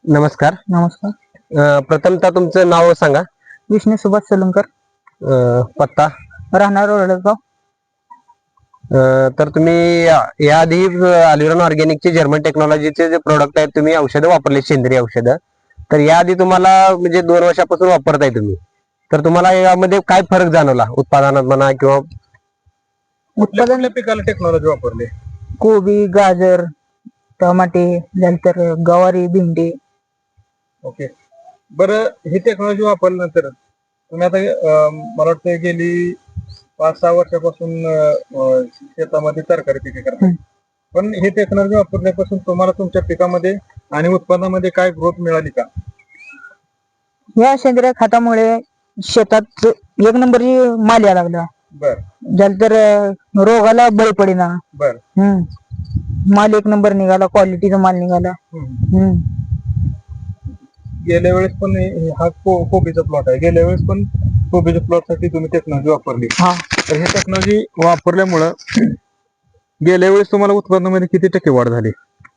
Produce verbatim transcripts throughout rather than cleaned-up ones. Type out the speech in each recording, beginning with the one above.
नमस्कार. नमस्कार. अ, प्रथमतः तुमचं नाव सांगा. विष्णू सुभाष सोलंकर, अ, पत्ता. राहणार ओरडगाव. अ, तर तुम्ही या- याआधी अल्युरॉन ऑर्गॅनिकचे जर्मन टेक्नॉलॉजीचे जे प्रोडक्ट आहेत तुम्ही औषधं वापरले, सेंद्रिय औषधं. तर याआधी तुम्हाला म्हणजे दोन वर्षापासून वापरताय तुम्ही, तर तुम्हाला यामध्ये काय फरक जाणवला उत्पादनात म्हणा किंवा उत्पादन पिकाला टेक्नॉलॉजी वापरली? कोबी, गाजर, टमाटे, नंतर गवारी, भेंडी. ओके, बरं ही टेक्नॉलॉजी वापरल्यानंतर तुम्ही आता अं, मला वाटतं गेली पाच सहा वर्षापासून अं, शेतामध्ये तरकारी पिके करता. हं. पण ही टेक्नॉलॉजी वापरल्यापासून तुम्हाला तुमच्या पिकामध्ये आणि उत्पन्नामध्ये काय ग्रोथ मिळाली का? या सेंद्रिय खतामुळे शेतात एक नंबरची माल यायला लागला. बर नंतर रोगाला बळी पडेना. बर हम्म माल एक नंबर निघाला, क्वालिटीचा माल निघाला. हम्म. हम्म गेल्या वेळेस पण हे- हा को- कोबीचा प्लॉट आहे. गेल्या वेळेस पण कोबीच्या प्लॉट साठी तुम्ही टेक्नॉलॉजी वापरली. हा तर ही टेक्नॉलॉजी वापरल्यामुळं गेल्या वेळेस तुम्हाला उत्पन्नामध्ये किती टक्के वाढ झाली?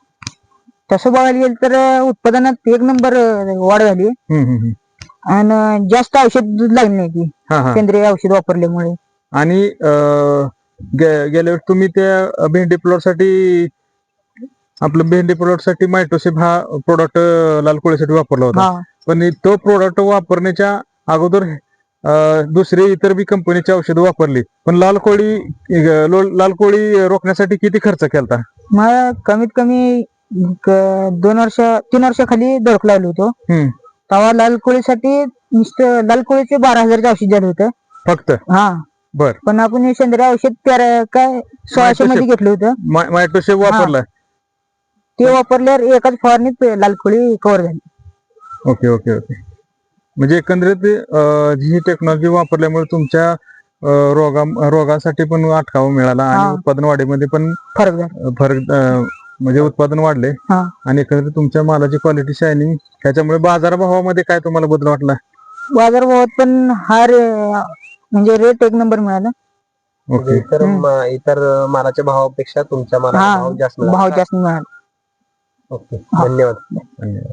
तसं बघायला गेलं तर उत्पादनात एक नंबर वाढ झाली हम्म, हम्म, हम्म. आणि जास्त औषध लागली नाही ती हा हा सेंद्रिय औषध वापरल्यामुळे. आणि अं, गे- गेल्या वेळेस तुम्ही त्या भेंडी प्लॉट साठी आपलं भेंडी प्लॉट साठी मायटोसिप हा प्रोडक्ट लाल कोळीसाठी वापरला होता. हा पण तो प्रोडक्ट वापरण्याच्या अगोदर अं, दुसरे इतर बी कंपनीची औषधं वापरली, पण लाल कोळी अं, लो- लाल कोळी रोखण्यासाठी किती खर्च केला? मला कमीत कमी क- दोन वर्ष तीन वर्षाखाली धडक लावलं होतं. हम्म, तेव्हा लाल कोळीसाठी नुसतं लाल कोळीचे बारा हजारचं औषध झालं होतं. फक्त हा बर पण आपण हे सेंद्रिय औषध तेरा काय सोळाशे मध्ये घेतलं होतं. मायटोसिप वापरला. ते वापरल्यावर एकाच फवारणीत लाल कोळी कव्हर झाली. ओके ओके ओके म्हणजे एकंदरीत अं, ही टेक्नॉलॉजी वापरल्यामुळे तुमच्या अं, रोगा रोगासाठी पण अटकावा मिळाला हा. आणि उत्पादन वाढीमध्ये पण फरक झाला. अं, फरक अं, म्हणजे उत्पादन वाढले हा आणि एकंदरीत तुमच्या मालाची क्वालिटी शायनिंग त्याच्यामुळे बाजारभावामध्ये काय तुम्हाला बदल वाटला? बाजारभावात पण हा रे- म्हणजे रेट एक नंबर मिळाला. म्हणजे ओके इतर हम्म. म- इतर मालाच्या भावापेक्षा तुमच्या मालाचा हा भाव जास्त मिळाला. भाव जास्त मिळाला. ओके, हा. धन्यवाद. धन्यवाद.